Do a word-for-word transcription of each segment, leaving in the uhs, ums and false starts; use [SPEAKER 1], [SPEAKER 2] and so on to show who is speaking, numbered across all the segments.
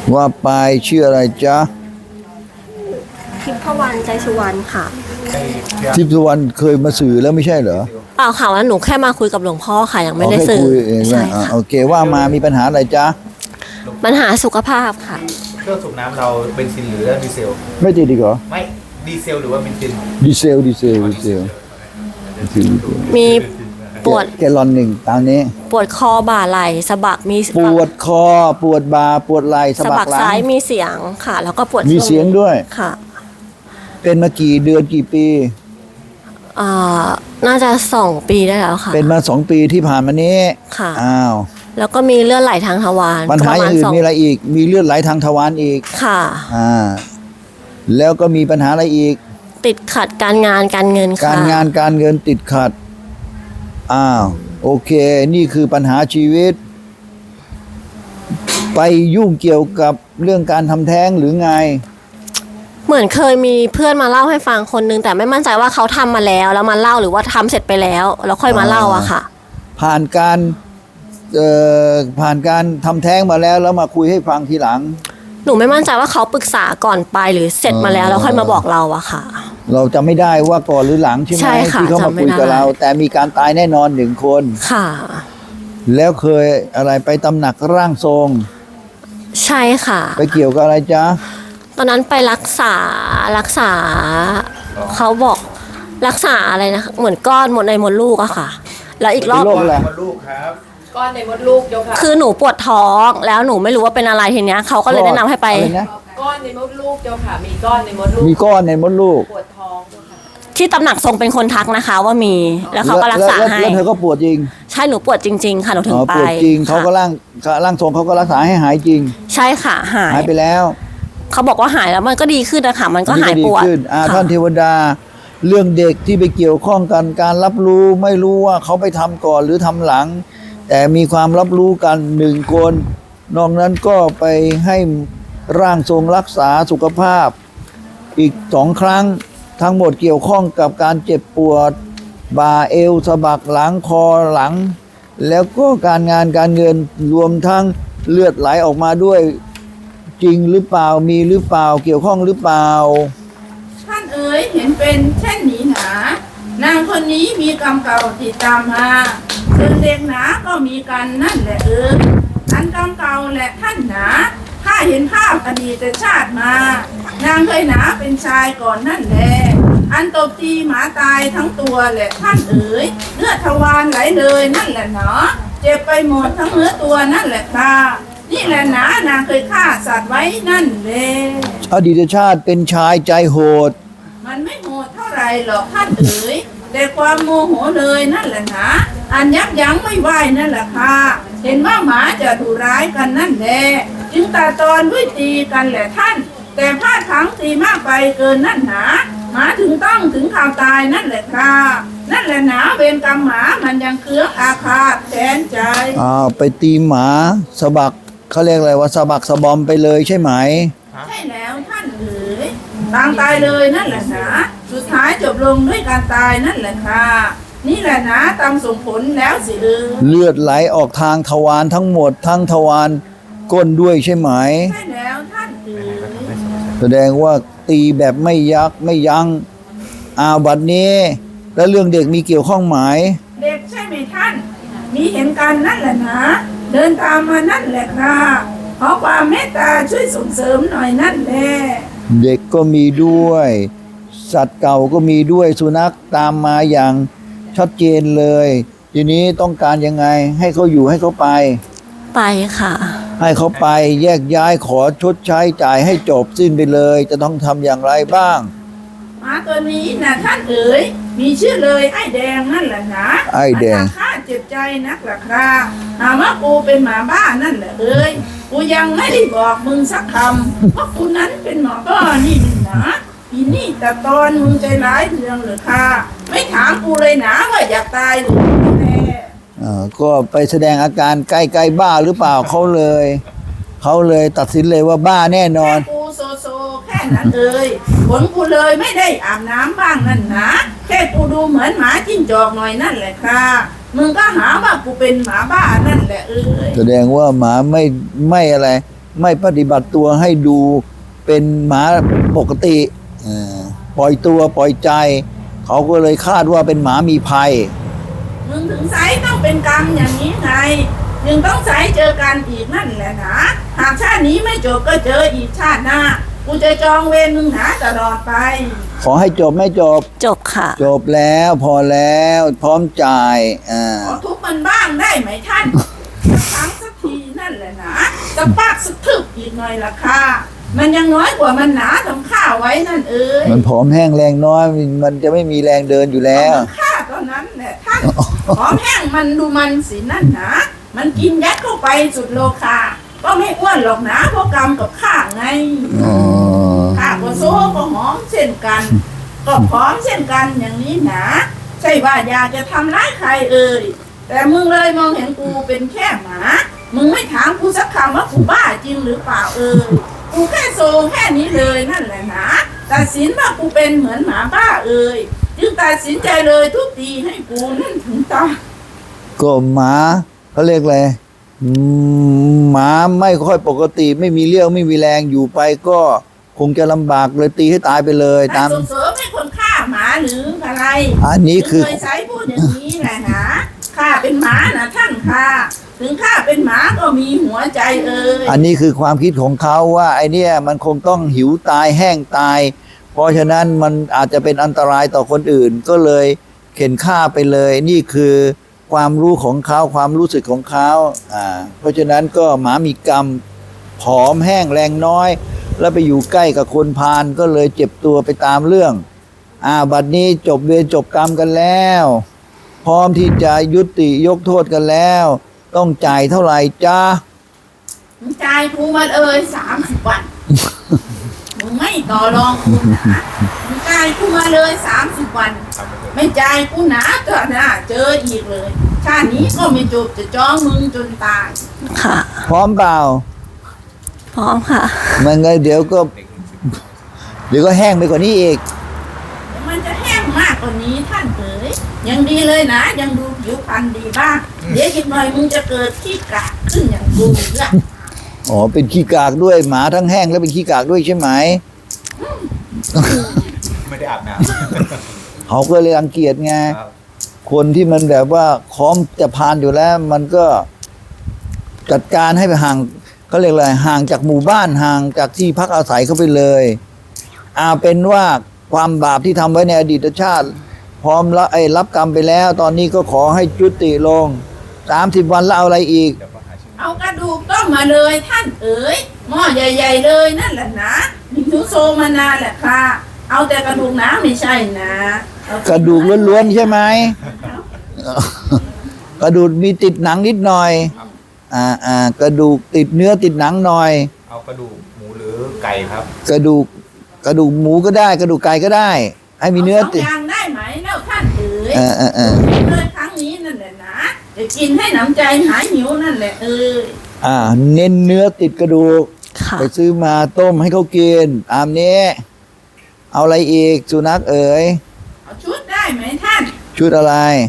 [SPEAKER 1] ว่าไปชื่ออะไรจ๊ะ
[SPEAKER 2] ทิพวรรณใจสุวรรณค่ะ
[SPEAKER 1] ทิพย์สุวรรณเคยมาสื่อแล้วไม่ใช่เหรอ
[SPEAKER 2] เปล่าค่ะว่าหนูแค่มาคุยกับหลวงพ่อค่ะยังไม่ได้สื่อ
[SPEAKER 1] คุยเอง
[SPEAKER 2] ใช่
[SPEAKER 1] อ่ะ
[SPEAKER 2] ค่ะ
[SPEAKER 1] โอเคว่ามามีปัญหาอะไรจ๊ะ
[SPEAKER 2] ปัญหาสุขภาพค่ะ
[SPEAKER 3] เครื่องสูบน้ำเราเบนซินหรือดีเซล
[SPEAKER 1] ไม่ติดอีกเหรอ
[SPEAKER 3] ไม่ดีเซลหรือว่าเบนซิน
[SPEAKER 1] ดีเซลดีเซลดีเซล
[SPEAKER 2] มีปวด
[SPEAKER 1] แกลลอนหนึ่งตามนี้
[SPEAKER 2] ปวดคอบ่าไหล่สะบักมี
[SPEAKER 1] ปวดคอปวดบ่าปวดไหล่สะบักหลัง
[SPEAKER 2] ซ้ายมีเสียงค่ะแล้วก็ปวด
[SPEAKER 1] มีเสียงด้วย
[SPEAKER 2] ค่ะ
[SPEAKER 1] เป็นมากี่เดือนกี่ปี
[SPEAKER 2] อ่าน่าจะสองปีได้แล้วค่ะ
[SPEAKER 1] เป็นมาสองปีที่ผ่านมานี้
[SPEAKER 2] ค่ะ
[SPEAKER 1] อ้าว
[SPEAKER 2] แล้วก็มีเลือดไหลทางทวาร
[SPEAKER 1] ปัญหาอย่างอื่นมีอะไรอีกมีเลือดไหลทางทวารอีก
[SPEAKER 2] ค่ะ
[SPEAKER 1] อ่าแล้วก็มีปัญหาอะไรอีก
[SPEAKER 2] ติดขัดการงานการเงินค่ะ
[SPEAKER 1] การงานการเงินติดขัดอ้าวโอเคนี่คือปัญหาชีวิตไปยุ่งเกี่ยวกับเรื่องการทำแท้งหรือไง
[SPEAKER 2] เหมือนเคยมีเพื่อนมาเล่าให้ฟังคนนึงแต่ไม่มั่นใจว่าเขาทำมาแล้วแล้วมาเล่าหรือว่าทำเสร็จไปแล้วแล้วค่อยมาเล่าอะค่ะ
[SPEAKER 1] ผ่านการเอ่อผ่านการทำแท้งมาแล้วแล้วมาคุยให้ฟังทีหลัง
[SPEAKER 2] หนูไม่มั่นใจว่าเขาปรึกษาก่อนไปหรือเสร็จมาแล้วแล้วค่อยมาบอกเราอะค่ะ
[SPEAKER 1] เราจะไม่ได้ว่าก่อนหรือหลังใช่ไหมที่เขามาคุยกับเราแต่มีการตายแน่นอนหนึ่งคน
[SPEAKER 2] ค่ะ
[SPEAKER 1] แล้วเคยอะไรไปตำหนักร่างทรง
[SPEAKER 2] ใช่ค่ะ
[SPEAKER 1] ไปเกี่ยวกับอะไรจ๊ะ
[SPEAKER 2] ตอนนั้นไปรักษารักษาเขาบอกรักษาอะไรนะเหมือนก้อนหมดในมดลูกอะค่ะแล้วอีกรอบ
[SPEAKER 1] โรคอะไร
[SPEAKER 3] มดลูกครับ
[SPEAKER 4] ก้อนในมดลูกเจ้าค่ะ
[SPEAKER 2] คือหนูปวดท้องแล้วหนูไม่รู้ว่าเป็นอะไรทีเนี้ยเขาก็เลยแนะนำให้ไป
[SPEAKER 4] ก้อนในมดลูกเจ้าค่ะมีก้อนในมดลูก
[SPEAKER 1] มีก้อนในมดลูก
[SPEAKER 4] ปวดท้องเจ้าค่ะ
[SPEAKER 2] ที่ตำหนักทรงเป็นคนทักนะคะว่ามีแล้วเขาก็รักษาให้
[SPEAKER 1] แล้วเธอก็ปวดจริง
[SPEAKER 2] ใช่หนูปวดจริงๆค่ะหนูถึงไป
[SPEAKER 1] ปวดจริงเขาก็ร่างร่างทรงเขาก็รักษาให้หายจริง
[SPEAKER 2] ใช่ค่ะหาย
[SPEAKER 1] หายไปแล้ว
[SPEAKER 2] เขาบอกว่าหายแล้วมันก็ดีขึ้นนะคะมันก็หายปวด
[SPEAKER 1] ท่านเทวดาเรื่องเด็กที่ไปเกี่ยวข้องกันการรับรู้ไม่รู้ว่าเขาไปทำก่อนหรือทำหลังแต่มีความรับรู้กันหนึ่งคนนอกนั้นก็ไปให้ร่างทรงรักษาสุขภาพอีกสองครั้งทั้งหมดเกี่ยวข้องกับการเจ็บปวดบ่าเอวสะบักหลังคอหลังแล้วก็การงานการเงินรวมทั้งเลือดไหลออกมาด้วยจริงหรือเปล่ามีหรือเปล่าเกี่ยวข้องหรือเปล่า
[SPEAKER 4] ท่านเอ๋ยเห็นเป็นเช่นนี้หนานางคนนี้มีกรรมเก่าติดตามมาส่วนเด็กหนาก็มีกันนั่นแหละเอออันกรรมเก่าแหละท่านหนาข้าเห็นภาพอดีตชาติมานางเคยหนาเป็นชายก่อนนั่นแหละอันตบตีหมาตายทั้งตัวแหละท่านเอ๋ยเลือดทวารไหลเลยนั่นแหละเนาะเจ็บไปหมดทั้งเนื้อตัวนั่นแหละค่ะนี่แหละหนานางเคยฆ่าสัตว์ไว้นั่นแหละ
[SPEAKER 1] อดีตชาติเป็นชายใจโหด
[SPEAKER 4] มันไม่โหดเท่าไรหรอกท่านเอ๋ยแต่ความโมโหเลยนั่นแหละนะอันยับยั้งไม่ไหวนั่นแหละค่ะเห็นว่าหมาจะดุร้ายกันนั่นแหละจึงตาตอนด้วยตีกันแหละท่านแต่พลาดทั้งตีมากไปเกินนั่นหนาหมาถึงต้องถึงข่าวตายนั่นแหละค่ะนั่นแหละหนาเวรกรรมหมามันยังเคืองอาฆาตแทนใจ
[SPEAKER 1] อ้าวไปตีหมาสะบักเขาเรียกอะไรว่าสะบักสะบอมไปเลยใช่ไหม
[SPEAKER 4] ใช่แล้วท่านเอ๋ยตางตายเลยนั่นแหละนะสุดท้ายจบลงด้วยการตายนั่นแหละค่ะนี่แหละนะตามส่งผลแล้วสิเออ
[SPEAKER 1] เลือดไหลออกทางทวารทั้งหมดทั้งทวารก้นด้วยใช่ไหม
[SPEAKER 4] ใช่แล้วท่านเอ๋ย
[SPEAKER 1] แสดงว่าตีแบบไม่ยักไม่ยั้งอ้าวบัดนี้แล้วเรื่องเด็กมีเกี่ยวข้องไหม
[SPEAKER 4] เด็กใช่ไหมท่านมีเห็นกันนั่นแหละนะเดินตามมานั่นแหละค่ะขอความเมตตาช่วยส่งเสริมหน่อยนั่นแหละ
[SPEAKER 1] เด็กก็มีด้วยสัตว์เก่าก็มีด้วยสุนัขตามมาอย่างชัดเจนเลยทีนี้ต้องการยังไงให้เขาอยู่ให้เขาไป
[SPEAKER 2] ไปค่ะ
[SPEAKER 1] ให้เขาไปแยกย้ายขอชดใช้จ่ายให้จบสิ้นไปเลยจะต้องทำอย่างไรบ้าง
[SPEAKER 4] หมาตัวนี้นะท่านเอ๋ยมีชื่อเลยไอ้แดงนั่นแหละนะ
[SPEAKER 1] ไอ้แดง
[SPEAKER 4] ข้าเจ็บใจนักล่ะค่ะหาว่ากูเป็นหมาบ้านั่นแหละเอ๋ยกูยังไม่ได้บอกมึงสักคำเพราะกูนั้นเป็นหมอบ้านี่นะอีนี่แต่ตอนมึงใจร้ายเรื่องเหรอค่ะไม่ถามกูเลยนะว่าอยากตายหรือไม่แน่
[SPEAKER 1] อ่าก็ไปแสดงอาการใกล้ๆบ้าหรือเปล่าเขาเลยเขาเลยตัดสินเลยว่าบ้าแน่นอน
[SPEAKER 4] แค่กูโซโซแค่นั้นเลยผลกูเลยไม่ได้อาบน้ำบ้างนั่นนะแค่กูดูเหมือนหมาจิ้งจอกหน่อยนั่นแหละค่ะมึงก็หาว่ากูเป็นหมาบ้านั่นแหละเอ้ย
[SPEAKER 1] แสดงว่าหมาไม่ไม่อะไรไม่ปฏิบัติตัวให้ดูเป็นหมาปกติเออปล่อยตัวปล่อยใจ เขาก็เลยคาดว่าเป็นหมามีภัย
[SPEAKER 4] มึงถึงไซต้องเป็นกรรมอย่างนี้ไงจึงต้องไซเจอกันอีกนั่นแหละนะหากชาตินี้ไม่จบก็เจออีกชาติหน้ากูจะจองเวรมึงหาตลอดไป
[SPEAKER 1] ขอให้จบไม่จบ
[SPEAKER 2] จบค่ะ
[SPEAKER 1] จบแล้วพอแล้วพร้อมจ่ายอ่า
[SPEAKER 4] ขอทุบมันบ้างได้ไหมท่านสักครั้งสักทีนั่นแหละนะจะปากสักทึบอีกหน่อยละค่ะมันยังน้อยกว่ามันหนาทำข้าไว้นั่นเอ้ย
[SPEAKER 1] มันผอมแห้งแรงน้อย มันจะไม่มีแรงเดินอยู่แล้ว
[SPEAKER 4] มันฆ่าตอนนั้นแหละท่านขอแห้งมันดูมันสินั่นนะมันกินยัดเข้าไปสุดโลคาก็ไม่อ้วนหรอกนะเพราะกรรมกับข้าไง
[SPEAKER 1] อ๋อ
[SPEAKER 4] ข้าก็โซ่ก็หอมเช่นกัน ก็พร้อมเช่นกันอย่างนี้นะใช่ว่าอยากจะทำร้ายใครเอ่ยแต่มึงเลยมองเห็นกูเป็นแค่หมามึงไม่ถามกูสักคำว่ากูบ้าจริงหรือเปล่าเอ่ยกูแค่โซแค่นี้เลยนั่นแหละนะตัดสินว่ากูเป็นเหมือนหมาบ้าเอ่ยจึงตัดสินใจเลยทุบตีให้กูนั่นถึงตาย
[SPEAKER 1] ก็หมาเขาเรียกอะไรอืมหมาไม่ค่อยปกติ ไม่มีเรี่ยวไม่มีแรงอยู่ไปก็คงจะลำบากเลยตีให้ตายไปเลย
[SPEAKER 4] ตา
[SPEAKER 1] ตาม ม
[SPEAKER 4] ส่งเสริมให้คนฆ่าหมาหรืออะไร
[SPEAKER 1] อันนี้คือ
[SPEAKER 4] เคยใช้พูดอย่างนี้แหละนะข้าเป็นหมานะท่านค่ะถึงข้าเป็นหมาก็มีหัวใจเอ่ย
[SPEAKER 1] อันนี้คือความคิดของเขาว่าไอเนี่ยมันคงต้องหิวตายแห้งตาย เพราะฉะนั้นมันอาจจะเป็นอันตรายต่อคนอื่น ก็เลยเข็นฆ่าไปเลย นี่คือความรู้ของเขาความรู้สึกของเขาอ่าเพราะฉะนั้นก็หมามีกรรมผอมแห้งแรงน้อย แล้วไปอยู่ใกล้กับคนพาลก็เลยเจ็บตัวไปตามเรื่องอ่าบัดนี้จบเวรจบกรรมกันแล้ว พร้อมที่จะยุติยกโทษกันแล้ว ต้องจ่ายเท่าไหร่จ้า
[SPEAKER 4] มึงจ่ายกูมาเลยสามสิบวัน มึงไม่ต่อรองกูนะมึงจ่ายกูมาเลยสามสิบวัน
[SPEAKER 3] ทำไปเถอะ
[SPEAKER 4] ไม่จ่ายกูหนาก็น่าเจออีกเลย ชาตินี้ก็ไม่จบจะจ้องมึงจนตาย
[SPEAKER 2] ค่ะ
[SPEAKER 1] พร้อมเปล่า
[SPEAKER 2] พร้อมค่ะ
[SPEAKER 1] มันไงเดี๋ยวก็
[SPEAKER 3] เด็กหนึ่งสิบ
[SPEAKER 1] เดี๋ยวก็แห้งไปกว่านี้อีก
[SPEAKER 4] แต่มันจะแห้งมากกว่านี้ท่านเอ๋ยยังดีเลยนะ ยังดูผิวพรรณดีบ้าง เดี๋ยวอีกหน่อยมึงจะเกิดขี้กากขึ้นอย่างกูละ
[SPEAKER 1] อ๋อ เป็นขี้กากด้วยหมาทั้งแห้งแล้วเป็นขี้กากด้วยใช่ไหม
[SPEAKER 3] ไม่ได้อาบน้
[SPEAKER 1] เขาก็เลยรังเกียจไง
[SPEAKER 3] ำครับ
[SPEAKER 1] คนที่มันแบบว่าพร้อมจะพานอยู่แล้ว มันก็จัดการให้ไปห่างเขาเรียกอะไรห่างจากหมู่บ้านห่างจากที่พักอาศัยเขาไปเลยอาเป็นว่าความบาปที่ทำไว้ในอดีตชาติ พร้อมละไอ้รับกรรมไปแล้ว ตอนนี้ก็ขอให้จุติลงสามสิบวันแล้วเอาอะไรอีก
[SPEAKER 3] เดี๋ยวก็หาชื่อ
[SPEAKER 4] เอากระดูกต้มมาเลยท่านเอ๋ยหม้อใหญ่ ๆ เลยนั่นแหละนะมีทุโซมานานแหละค่ะ เอาแต่กระดูกนะไม่ใช่นะเอา
[SPEAKER 1] กระดูกล้วนๆใช่ไหม กระดูกมีติดหนังนิดหน่อย อ่าอ่ากระดูกติดเนื้อติดหนังหน่อย
[SPEAKER 3] เอากระดูกหมูหรือไก่ครับ
[SPEAKER 1] กระดูกกระดูกหมูก็ได้ กระดูกไก่ก็ได้ ให้มีเนื้อ
[SPEAKER 4] สอง
[SPEAKER 1] ติด
[SPEAKER 4] อย่างได้ไหมแล้วท่านเอ๋ย
[SPEAKER 1] เออเออเออ
[SPEAKER 4] เลยครั้งนี้นั่นแหละนะจะกินให้หนำใจหายหิวนั่นแหละเอ๋ย
[SPEAKER 1] อ่า เน้นเนื้อติดกระดูก
[SPEAKER 2] ค่ะ
[SPEAKER 1] ไปซื้อมาต้มให้เขากินตามนี้ เอาอะไรอีกสุนัขเอ๋ย
[SPEAKER 4] เอาชุดได้ไหมท่าน
[SPEAKER 1] ชุดอะไร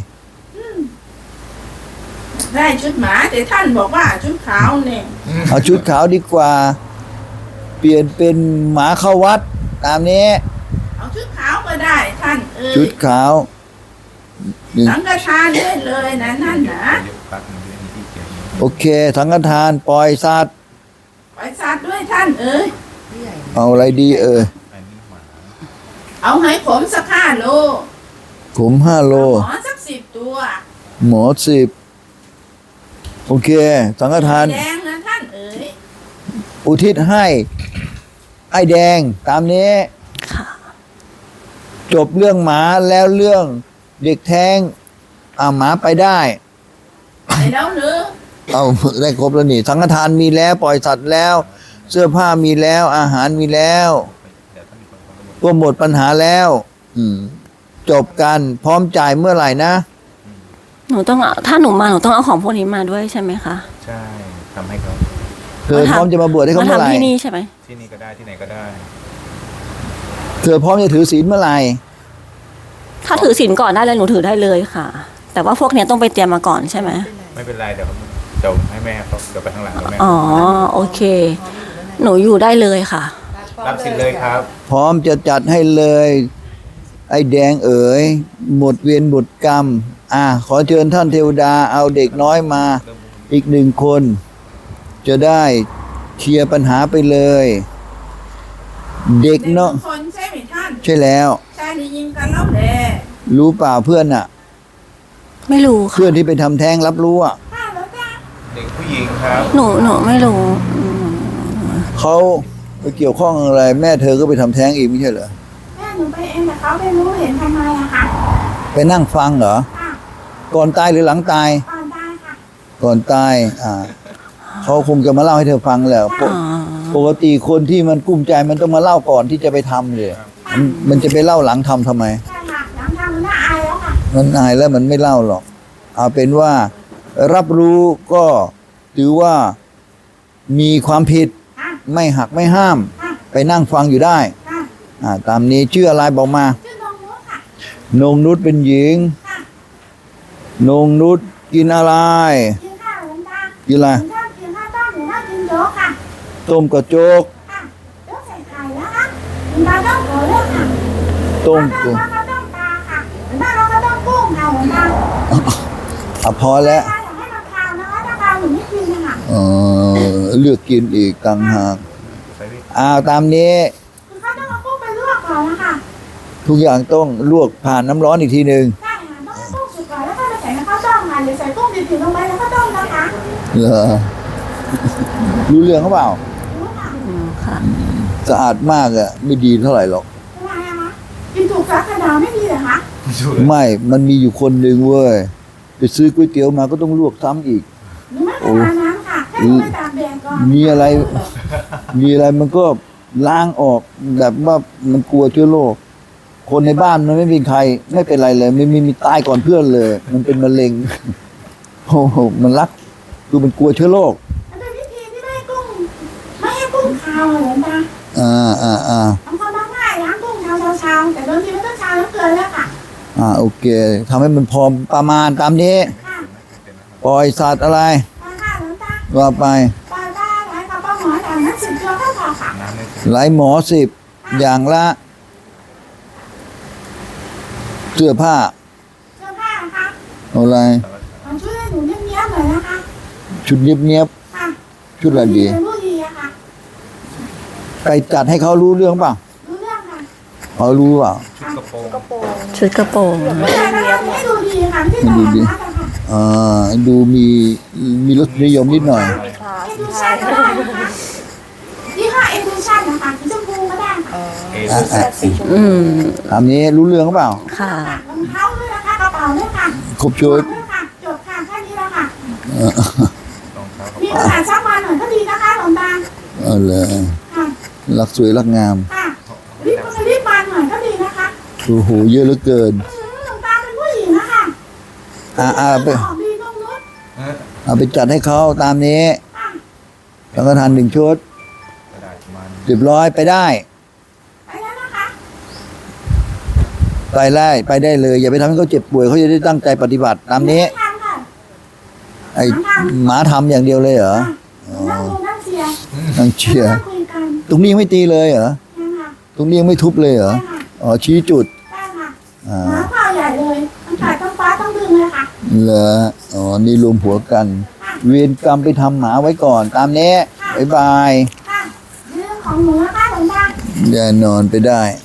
[SPEAKER 4] ได้ชุดหมาแต่ท่านบอกว่าชุดขาวเนี่ย
[SPEAKER 1] เอาชุดขาวดีกว่า เปลี่ยนเป็นหมาเข้าวัด ตามนี้
[SPEAKER 4] เอาชุดขาวก็ได้ท่านเอ๋
[SPEAKER 1] ชุ
[SPEAKER 4] ย
[SPEAKER 1] ดขาวนี่
[SPEAKER 4] สังฆทานได้เลยนะนั่นนะ
[SPEAKER 3] เดี๋ยวแป๊บนึงเดี๋ยวมีที่เขียน
[SPEAKER 1] โอเคสังฆทานปล่อยสัตว์
[SPEAKER 4] ไปสัตว์ด้วยท่านเอ๋ย
[SPEAKER 1] เอาอะไรดีเอ่ย
[SPEAKER 3] อันนี้หมา
[SPEAKER 4] เอาให้ผมสักห้าโล
[SPEAKER 1] ผมห้าโล
[SPEAKER 4] หมอสักสิบตัว
[SPEAKER 1] หมอสิบโอเค สังฆทาน
[SPEAKER 4] แดงนะท่านเอ๋ย
[SPEAKER 1] อุทิศให้ไอ้แดง ตามนี้
[SPEAKER 2] ค่ะ
[SPEAKER 1] จบเรื่องหมาแล้วเรื่องเด็กแท้งอ่าหมาไปได้
[SPEAKER 4] ไปแล้วหรือ
[SPEAKER 1] เอาได้ครบแล้วนี่ สังฆทานมีแล้ว ปล่อยสัตว์แล้ว เสื้อผ้ามีแล้ว อาหารมีแล้ว
[SPEAKER 3] เดี๋ยวถ้ามีคนเขาก็บอก
[SPEAKER 1] ก็หมดปัญหาแล้ว อืม จบกันพร้อมจ่ายเมื่อไหร่นะ
[SPEAKER 2] หนูต้องเอาถ้าหนูมาหนูต้องเอาของพวกนี้มาด้วยใช่ไหมคะ
[SPEAKER 3] ใช่ทำให้เขา
[SPEAKER 1] เธอพร้อมจะมาบวชให้เขา
[SPEAKER 2] มา
[SPEAKER 1] เมื่อไหร่
[SPEAKER 2] ทำที่นี่ใช่ไหม
[SPEAKER 3] ที่นี่ก็ได้ที่ไหนก็ได้
[SPEAKER 1] เธอพร้อมจะถือศีลเมื่อไหร่
[SPEAKER 2] ถ้าถือศีลก่อนได้เลยหนูถือได้เลยค่ะ แต่ว่าพวกเนี้ยต้องไปเตรียมมาก่อนใช่ไหม
[SPEAKER 3] ไม่เป็นไรเดี๋ยวเดี๋ยวให้แม่เขาเดี๋ยวไปข้างหลังแล้วแม่
[SPEAKER 2] อ๋อโอเค
[SPEAKER 4] ม
[SPEAKER 2] หนูอยู่ได้เลยค่ะ
[SPEAKER 3] รับสิทธิ์เลยครับ
[SPEAKER 1] พร้อมจะจัดให้เลย ไอ้แดงเอ๋ยหมดเวียนหมดกรรม อ่ะขอเชิญท่านเทวดาเอาเด็กน้อยมา อีกหนึ่งคน จะได้เคลียร์ปัญหาไปเลย เด็กเนาะ
[SPEAKER 4] ด็คนใช่ไหมท่าน
[SPEAKER 1] ใช่แล้ว
[SPEAKER 4] ชายได้ยิงกันแล้วแหละ
[SPEAKER 1] รู้เปล่าเพื่อนอะ
[SPEAKER 2] ไม่รู้ค่ะ
[SPEAKER 1] เพื่อนที่ไปทำแท้งรับรู้อะ
[SPEAKER 4] ข้าแล้วจ้า
[SPEAKER 3] เด็กผู้หญิงครับ
[SPEAKER 2] หนูหนูไม่รู้
[SPEAKER 1] เขาไปเกี่ยวข้องอะไร แม่เธอก็ไปทำแท้งอีกไม่ใช่เหรอ
[SPEAKER 4] แม่หนูไปเองแต่เขาไม่รู้เห็นทำไมอะค่ะ
[SPEAKER 1] ไปนั่งฟังเหรอ
[SPEAKER 4] ค่ะ
[SPEAKER 1] ก่อนตายหรือหลังตาย
[SPEAKER 4] ก่อนได้ค่ะ
[SPEAKER 1] ก่อนตาย อ่า เขาคงจะมาเล่าให้เธอฟังแหละปก
[SPEAKER 2] อ๋อ
[SPEAKER 1] ปกติคนที่มันกุ้มใจมันต้องมาเล่าก่อนที่จะไปทำเลยมันมันจะไปเล่าหลังทำทำไม
[SPEAKER 4] ใช่ค่ะหลังทำมันน่าอายแล้วค่ะ
[SPEAKER 1] มันอายแล้วมันไม่เล่าหรอก เอาเป็นว่ารับรู้ก็ถือว่ามีความผิด
[SPEAKER 4] ค่ะ
[SPEAKER 1] ไม่หักไม่ห้าม
[SPEAKER 4] ค่ะ
[SPEAKER 1] ไปนั่งฟังอยู่ได้
[SPEAKER 4] ค่ะ
[SPEAKER 1] อ่า ตามนี้ชื่ออะไรบอกมา
[SPEAKER 4] ชื่อน้องนุชค่ะ
[SPEAKER 1] นงนุชเป็นหญิง
[SPEAKER 4] ค่ะ
[SPEAKER 1] นงนุชกินอะไร
[SPEAKER 4] กินข้าวหลวงตา
[SPEAKER 1] กินอะไร
[SPEAKER 4] หนูชอบกินข้าวต้มหนูชอบกินโจ๊กค่ะ
[SPEAKER 1] ต้มกระโจก
[SPEAKER 4] ค่ะโจ๊กใส่ไข่แล้วค่ะหลวงตาต้องขอเลือกค่ะ
[SPEAKER 1] ต้ม
[SPEAKER 4] ข้าวต้มข้าวต้มปลาค่ะหลวงตาเราก็ต้องกุ้งค่ะหลวงตา
[SPEAKER 1] อ่ะพอแล้ว
[SPEAKER 4] ถ้าอยากให้มันคาวนะคะถ้าคาวหนูไม่กินนะคะ
[SPEAKER 1] เออเลือกกินอีกต่างหาก
[SPEAKER 3] ใส่วิ
[SPEAKER 1] อ้าวตามนี้
[SPEAKER 4] คือเขาต้องเอากุ้งไปลวกก่อนนะคะ
[SPEAKER 1] ทุกอย่างต้องลวกผ่านน้ำร้อนอีกทีหนึ่ง
[SPEAKER 4] ใช่ค่ะต้องให้กุ้งสุกก่อนแล้วก็มาใส่ในข้าวต้มค่ะหรือใส่กุ้งดิบๆลงไปแล้วก็ต้มนะคะ
[SPEAKER 1] เหรอ รู้เรื่องเขาเปล่า
[SPEAKER 4] รู้ค่ะ
[SPEAKER 2] อืมค่ะ
[SPEAKER 1] สะอาดมากอะไม่ดีเท่าไหร่หรอก
[SPEAKER 4] ทำไมอะคะกินถูกสาขนาไม่ดีเหรอคะ
[SPEAKER 1] ไม่ มันมีอยู่คนหนึ่งเว้ย ไปซื้อก๋วยเตี๋ยวมาก็ต้องลวกซ้ำอีก
[SPEAKER 4] หนูไม่เป็นไรน้ำค่ะแค่หนูไปตากแดดก่อน
[SPEAKER 1] มีอะไร มีอะไรมันก็ล้างออกแบบว่ามันกลัวเชื้อโรค คนในบ้านมันไม่มีใคร ไม่เป็นไรเลย ไม่มีมีตายก่อนเพื่อนเลย มันเป็นมะเร็ง โอ้โห มันรัก คือมันกลัวเชื้อโรค
[SPEAKER 4] มันเป็นวิธีที่ไม่ให้กุ้งไม่ให้กุ้งคาวอะเหรอตา
[SPEAKER 1] อ่าอ่าอ่า
[SPEAKER 4] บางคนบางง่ายล้างกุ้งเช้าเช้าๆแต่บางทีมันต้องเช้าแล้วเกินแล้วค่ะ
[SPEAKER 1] อ่า โอเคทำให้มันพอประมาณตามนี้
[SPEAKER 4] ค่ะ
[SPEAKER 1] ปล่อยสัตว์อะไร
[SPEAKER 4] มาค่ะหลวงตา
[SPEAKER 1] ว่าไป
[SPEAKER 4] ปลาบ้าหลายกับปลาหมอแต่นั้นสิบตัวก็พอค่ะ
[SPEAKER 3] น้ำในสิ
[SPEAKER 1] หลายหมอสิบอย่างละ เสื้อผ้า
[SPEAKER 4] เสื้อผ้านะคะ
[SPEAKER 1] เอาอะไร
[SPEAKER 4] เอาช่วยให้หนูเนี้ยบๆหน่อยนะคะ
[SPEAKER 1] ชุดเนียบ
[SPEAKER 4] ค่ะ
[SPEAKER 1] ๆชุดอะไรดี
[SPEAKER 4] เป็นผู้ดีอะค่ะ
[SPEAKER 1] ไปจัดให้เขารู้เรื่องเปล่า
[SPEAKER 4] รู้เรื่องค่ะ
[SPEAKER 1] เขารู้เปล่า
[SPEAKER 3] ชุดกระโปรง
[SPEAKER 2] ชุดกระโปรง
[SPEAKER 4] ไม่ใช่นะคะให้ดูดีค่ะที่ตลาดนัดอะค่ะ
[SPEAKER 1] อ่าดูมีมีรสนิยมนิดหน่อย
[SPEAKER 4] เอดูชั่นก็ได้นะคะยี่ห้อเอดูชั่นนะคะสีชมพูก็ได้ค่ะ
[SPEAKER 3] เอ
[SPEAKER 1] อ่ะอ่ะ
[SPEAKER 2] อืม
[SPEAKER 1] ตามนี้รู้เรื่องเปล่า
[SPEAKER 2] ค่ะ
[SPEAKER 4] รองเท้าด้วยนะคะกระเป๋าด้วยค่ะ
[SPEAKER 1] ครบชุด
[SPEAKER 4] ด้วยค่ะจบค่ะแค่นี้แล้วค่ะ
[SPEAKER 1] เออ
[SPEAKER 3] รองเท้ากับ
[SPEAKER 4] มีขนาดซักมาหน่อยก็ดีนะคะหลวงตา
[SPEAKER 1] เอาเลย
[SPEAKER 4] ค่ะ
[SPEAKER 1] รักสวยรักงาม
[SPEAKER 4] ค่ะรีบมารีบมาหน่อยก็ดีนะคะ
[SPEAKER 1] โอ้โหเยอะเหลือเกิน
[SPEAKER 4] อืมหลวงตาเป็นผู้หญิงนะคะ
[SPEAKER 1] อ่าอ่าไป
[SPEAKER 4] ออกดีตรงนู้น
[SPEAKER 3] เอ๊ะ
[SPEAKER 1] เอาไปจัดให้เขาตามนี้
[SPEAKER 4] ค่ะ
[SPEAKER 1] สังฆทานหนึ่งชุด
[SPEAKER 3] กระดาษมัน
[SPEAKER 1] เรียบร้อยไปได้
[SPEAKER 4] ไปแล้วนะคะ
[SPEAKER 1] ไปได้ไปได้เลย อย่าไปทำให้เขาเจ็บป่วยเขาจะได้ตั้งใจปฏิบัติตามนี้
[SPEAKER 4] ทำค่ะ
[SPEAKER 1] ไอ้หมาทำอย่างเดียวเลยเหรอ
[SPEAKER 4] นั่งดูนั่งเชียร์
[SPEAKER 1] นั่งเชียร์
[SPEAKER 4] นั่งคุยกัน
[SPEAKER 1] ตรงนี้ยังไม่ตีเลยเหรอ
[SPEAKER 4] นั่งค่ะ
[SPEAKER 1] ตรงนี้ยังไม่ทุบเลยเหรอ
[SPEAKER 4] ใช่ค่ะ
[SPEAKER 1] อ๋อชี้จุด
[SPEAKER 4] ได้ค่ะ
[SPEAKER 1] อ่า
[SPEAKER 4] หมาเผาใหญ่เลยต้องขาดต้องฟ้าต้องดึงเลยค่ะ
[SPEAKER 1] เหรออ๋อนี่รวมหัวกัน เวรกรรมไปทำหมาไว้ก่อน ตามนี้บ๊ายบาย
[SPEAKER 4] ค่ะเรื่องของหนูนะคะหลวงตา
[SPEAKER 1] แน่นอนไปได้
[SPEAKER 4] ค